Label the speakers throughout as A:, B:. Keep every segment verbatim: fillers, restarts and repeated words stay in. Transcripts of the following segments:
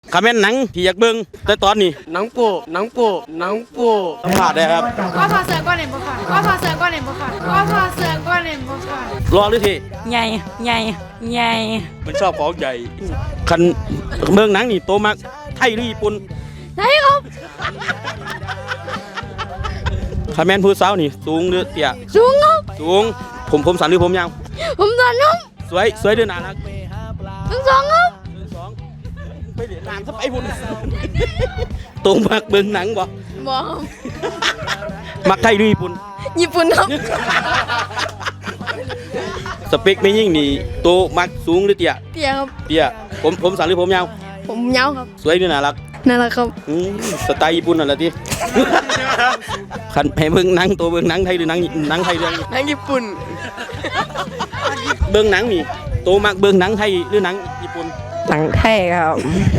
A: คอมเมนต์หนังที่อยากเบิ่งแต่ตอนนี้
B: หนังโป๊หนังโป๊หนังโป๊
A: สัมภาษณ์ได้ครับ
C: ก็พอเสือก้อนเห็นบุค่ะก็พอเสือก้อนเห็นบุค่ะก็พอเสือก้อนเห็นบุค่ะ
A: รอหรือที
D: ใหญ่ใหญ่ใหญ่
A: มันชอบของใหญ่คันเบิ่งหนังนี่โตมากไทยหรือญี่ปุ่น
D: ใช่ครับ
A: คอมเมนต์ผู้สาวนี่สูงหรือเตี้ย
D: สูงครับ
A: สูงผมผมสั้นหรือผมยาว
D: ผมตอนน้อง
A: สวยสวยหรือน่ารัก
D: ทั้งสองครับ
A: หนึ่งสองไปเรียนตามสไปพุ่นโตมากเบิ่งหนังบ่
D: บอก
A: มักไทยหรือญี่ปุ่น
D: ญี่ปุ่นครับ
A: สเปคไม่ยิ่งนี่โตมักสูงหรือเตี้ย
D: เตี้ยครับ
A: เตี้ยผมผมสั้นหรือผมยาว
D: ผมยาวครับ
A: สวยหรือน่ารัก
D: นั่นแหละครับ
A: อืมสไตล์ญี่ปุ่นนั่นแหละที่ คันให้เบิ่งหนังตัวเบิ่งหนังไทยหรือหนังหนังไทยเรื่อง
B: หนังญี่ปุ่น
A: เบิ่งหนังนี่โตมักเบิ่งหนังไทยหรือหนังญี่ปุ่น
D: หนังไทยครับ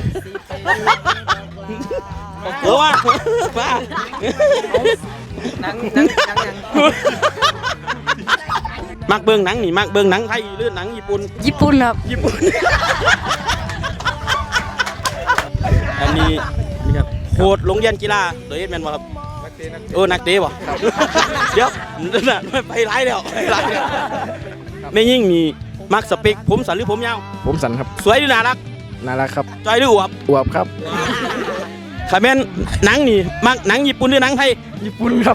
A: เออว่าว่า
B: หนังหนังหนังหนัง
A: มักเบิ่งหนังนี่มักเบิ่งหนังไทยหรือหนังญี่ปุ่น
D: ญี่ปุ่นครับ
A: ญี่ปุ่น อันนี้นี่ครับโค้ชโรงเรียนกีฬาตัวเอสแมนบ่ครับโอ้นักเตะบ่เดี๋ยวนั่นไปไล่แล้วไปไล่แล้วไม่ยิ่งมีมักสเปคผมสั้นหรือผมยาว
E: ผมสันครับ
A: สวยหรือน่ารัก
E: น่ารักครับ
A: จอยหรืออวบ
E: อวบครับ
A: คอมเมนต์หนังนี่มักหนังญี่ปุ่นหรือหนังไทย
E: ญี่ปุ่นครับ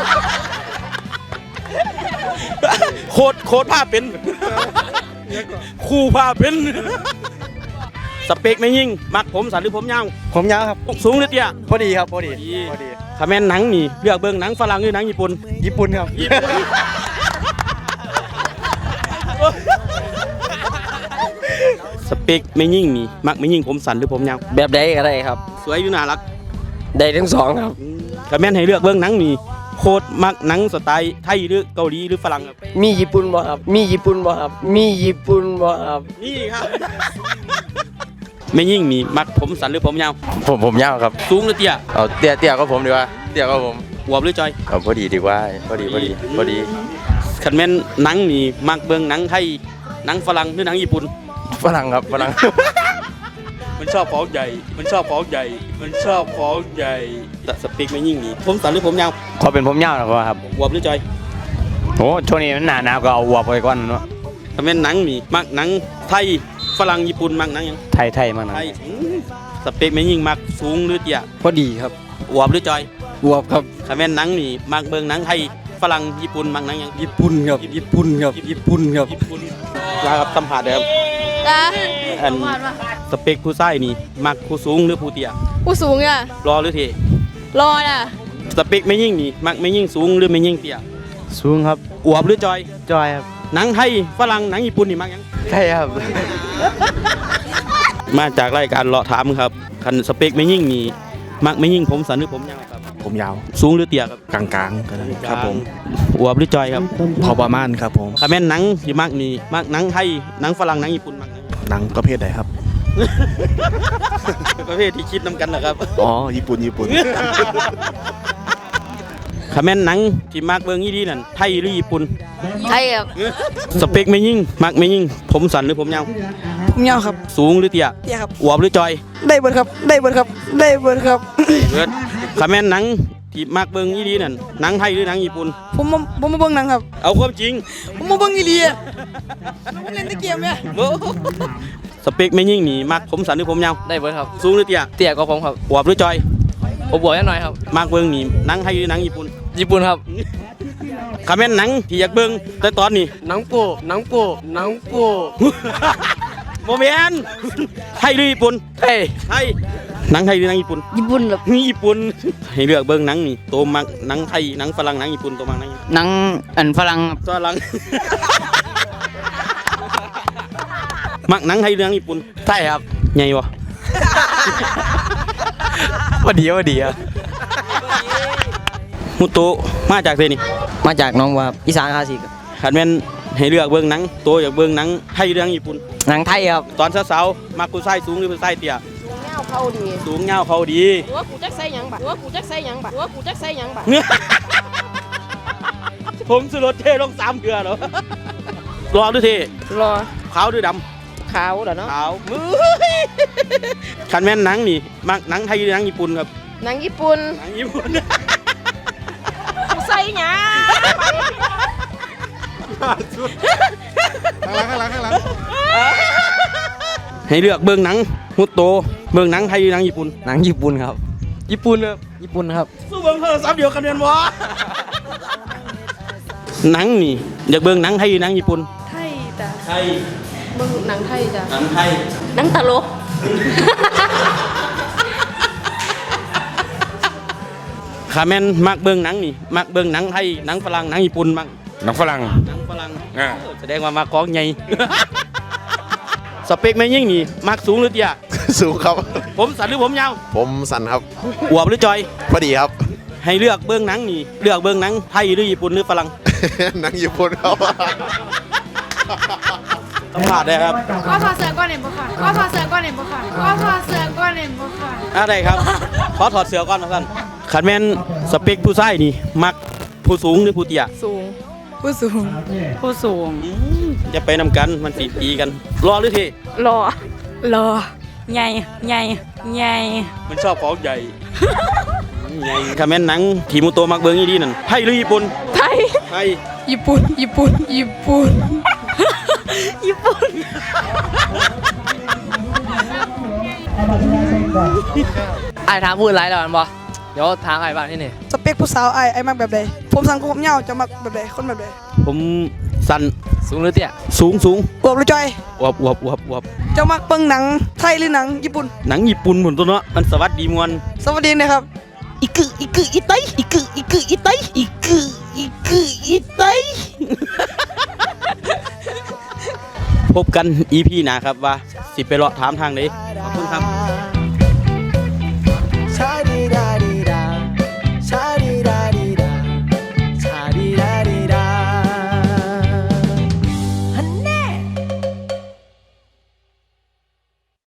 A: โคตรโคตรภาพเป็นคู่ภาพเป็นสเปคไม่ยิ่งมักผมสั้นหรือผมยาว
E: ผมยาวครับ
A: สูงหรือเตี้ย
E: พอดีครับพอดี
A: ดี
E: พอดี
A: คอมเมนต์หนังนี่เลือกเบิ่งหนังฝรั่งหรือหนังญี่ปุ่น
E: ญี่ปุ่นครับ
A: สเปคไม่ยิ่งนี่มักไม่ยิ่งผมสั้นหรือผมยาว
B: แบบใดก็ได้ครับ
A: สวยหรือน่ารัก
B: ได้ทั้งสองครับ
A: คอมเมนต์ให้เลือกเบิ่งหนังนี่โคตรมักหนังสไตล์ไทยหรือเกาหลีหรือฝรั่งครับ
B: มีญี่ปุ่นบ่ครับมีญี่ปุ่นบ่ครับมีญี่ปุ่นบ่ครับ
A: นี่ครับ ไม่ยิ่งนี่มักผมสั้นหรือผมยาว
E: ผมผมยาวครับ
A: สูงหรือเตี้ย
E: เอาเตี้ยเตี้ยก็ผมดีกว่าเตี้ยก็ผม
A: อวบหรือจอย
E: เอาพอดีดีกว่าพอดีพอดีพอดี
A: คันแม่นหนังนี่มักเบิ่งหนังไทยหนังฝรั่งหรือหนังญี่ปุ่น
E: ฝรั่งครับฝรั่ง
A: มันชอบของใหญ่ มันชอบของใหญ่ มันชอบของใหญ่แต่สเปคไม่ยิ่งนี่ผมสั้นหรือผมยาว
E: ขอเป็นผมยาวนะครับ
A: อวบหรือจอย
E: โอ้ช่วงนี้มันหนาหนาวก็เอาอวบไปก่อนเนาะ
A: คันแม่นหนังนี่มักหนังไทยฝรั่งญี่ปุ่นมักหนังหยัง
E: ไทยไทยมากนะ
A: ไทยอืมสเปคไม่ยิ่งมักสูงหรือเตี้ย
E: พอดีครับ
A: อวบหรือจอย
E: อวบครับ
A: คันแม่นหนังนี่มักเบิ่งหนังไทยฝรั่งญี่ปุ่นมักหนังหยัง
E: ญี่ปุ่นครับญี่ปุ่นครับญี่ปุ่นครับ
A: ญี่ปุ่นลาครับสัมผัสเด้อครับ
D: จ้า
A: อันสเปคผู้ชายนี่มักผู้สูงหรือผู้เตี้ย
D: ผู้สูงอ่ะ
A: รอหรือเท
D: รอน่ะ
A: สเปคไม่ยิ่งนี่มักไม่ยิ่งสูงหรือไม่ยิ่งเตี้ย
E: สูงครับ
A: อวบหรือจอย
E: จอยครับ
A: หนังไทยฝรั่งหนังญี่ปุ่นนี่มักหยัง
E: ไทยครับ
A: มาจากรายการเลาะถามครับคันสเปคไม่ยิ่งนี่มักไม่ยิ่งผมสั้นหรือผมยาวครับ
E: ผมยาว
A: สูงหรือเตี้ยครับ
E: กลางๆก็ได้ครับผม
A: อวบหรือจอยครับ
E: พอประมาณครับผม
A: คาแม่นหนังที่มักนี่มักหนังไทยหนังฝรั่งหนังญี่ปุ่นมักหนัง
E: หนังประเภทไหนครับ
A: ประเภทที่คิดนำกันนะครับ
E: อ๋อญี่ปุ่นญี่ปุ่น
A: คาแม่นหนังที่มักเบิ่งอีดีนั่นไทยหรือญี่ปุ่น
D: ไทยครับ
A: สเปคไม่ยิ่งมักไม่ยิ่งผมสั้นหรือผมยาว
D: ผมยาวครับ
A: สูงหรือเตี้ย
D: เตี้ยครับ
A: อวบหรือจอย
D: ได้เบิร์ครับ ได้เบิร์ครับ ได้เบิร์ครับ
A: เบิดคาแม่นหนังที่มักเบิ่งอีดีนั่นหนังไทยหรือหนังญี่ปุ่น
D: ผมมาผมมาเบิ่งหนังครับ
A: เอาความจริง
D: ผมมาเบิ่งอีเลียผมเล่นตะเกียบเนี่ย
A: โอ้สเปคไม่ยิ่งนี่มักผมสั้นหรือผมยาว
B: ได้เบิร์ครับ
A: สูงหรือเตี้ย
B: เตี้ยก็ผมครับ
A: อวบหรือจอย
B: ผมบอกแค่หน่อยครับ
A: มักเบิ่งนี่หนังไทยหรือหนังญี่ปุ่น
B: ญี่ปุ่นครับ
A: คาแม่นหนังที่อยากเบิ่งแต่ตอนนี้
B: หนังโป๊หนังโป๊หนังโป๊
A: โมเมนไทยหรือญี่ปุ่น
B: เฮ้ย
A: ไทยหนังไทยหรือหนังญี่ปุ่น
D: ญี่ปุ่นครับ
A: นี่ญี่ปุ่นให้เลือกเบิ่งหนังนี่โตมักหนังไทยหนังฝรั่งหนังญี่ปุ่นโตมักหนัง
D: หนังอันฝรั่ง
A: ฝรั่ง มักหนังไทยหรือหนังญี่ปุ่น
B: ไทยครับ
A: ใหญ่บ่
E: พอดีพอดีครับ
A: มุโตะมาจากเทนี่
B: มาจากน้องว่าอีสานคลาสสิก
A: คันแม่นให้เลือกเบิ่งหนังโตอยากเบิ่งหนังไทยหรือหนังญี่ปุ่น
B: หนังไทยครับ
A: ตอนสาวๆมักผู้ชายสูงหรือผู้ชายเตี้ย
D: เงาเข้าดี
A: สูงยาวเขาดี
D: หัวกูจักใส่หยังบัดหัวกูจักใส่หยังบัดหัวกูจักใส่หยังบัด
A: ผมสุรสเทลงสามเดือนเหรอรอหรือเท
D: รอ
A: ขาวหรือด
D: ขาวเหรอเนาะ
A: ำขาวมือคันแม่นหนังนี่มักหนังไทยหรือหนังญี่ปุ่นครับ
D: หนังญี่ปุ่น
A: หนังญี่ปุ่น
D: กูใส่หยัง
E: ข้างหลังข้างหลังข้างหลัง
A: ให้เลือกเบิ่งหนังฮุตโตเบิ่งหนังไทยหรือหนังญี่ปุ่น
B: หนังญี่ปุ่นครับ ญี่ปุ่นครับญี่ปุ่นครับ
A: สู้เบิ่งโทรศัพท์เดียวกันเรียนวะหนังนี่อยากเบิ่งหนังไทยหรือหนังญี่ปุ่น
C: ไทยจ้ะ
A: ไทย
D: เบิ่งหนังไทยจ้ะ
A: หนังไทย
D: หนังตลก
A: ขาแม่นมักเบิ่งหนังนี่มักเบิ่งหนังไทยหนังฝรั่งหนังญี่ปุ่นมัก
E: หนังฝรั่ง
A: หนังฝรั่ง
E: อ่า
A: แสดงว่ามักของใหญ่ สเปคแม่ยิ่งนี่มักสูงหรือเตี้ย
E: สูงครับ
A: ผมสั้นหรือผมยาว
E: ผมสันครับ
A: อวบหรือจอย
E: พอดีครับ
A: ให้เลือกเบิ่งหนังนี่เลือกเบิ่งหนังไทยหรือญี่ปุ่นหรือฝรั่ง
E: หนังญี่ปุ่นครับ
A: สัมผัสได้ครับ
C: ก็ถอดเสื้อก่อนเห็นบ่ค่ะก็ถอดเสื้อก่อนเห็นบ่ค่ะก็ถอดเสื้อก่อนเห็นบ่ค่ะ
A: อะไรครับขอถอดเสื้อก่อนนะท่านขันแม่นสเปคผู้ชายนี่มักผู้สูงหรือผู้เตี้ย
D: สูง
C: ผู้สูงผู้สูง
A: จะไปนำกันมันสีตีกันรอหรือเท
D: รอ
C: รอใหญ่ใหญ่ใหญ่
A: มันชอบของใหญ่ ใหญ่ขันแม่นหนังทีมุโตมักเบิ่งอีดีนั่นไทยหรือญี่ปุ่น
D: ไทย
A: ไทย
C: ญี่ปุ่นญี่ปุ่นญี่ปุ่นญี่ปุ่น
B: ไอ้ถามพูดไรแล้วมันบอเดี๋ยวถามไอ้บ้างที่นี่
F: สเปคผู้สาวไอ้ไอ้มักแบบใดผมสั้นกับผมยาวจะมักแบบใดคนแบบใด
A: ผมสั้น
B: สูงหรือเตี้ย
A: สูงสูง
F: อวบหรือจอย
A: อวบอวบอวบอวบ
F: เจ้ามักเบิ่งหนังไทยหรือหนังญี่ปุ่น
A: หนังญี่ปุ่นหมุนตัวเนาะมันสวัสดีมวน
F: สวัสดีนะครับ
A: อีกึอีกึอีไตอีกึอีกึอีไตอีกึอีกึอีไต พบกัน อี พี หน้าครับว่าสิไปเลาะถามทางไหนขอบคุณครับ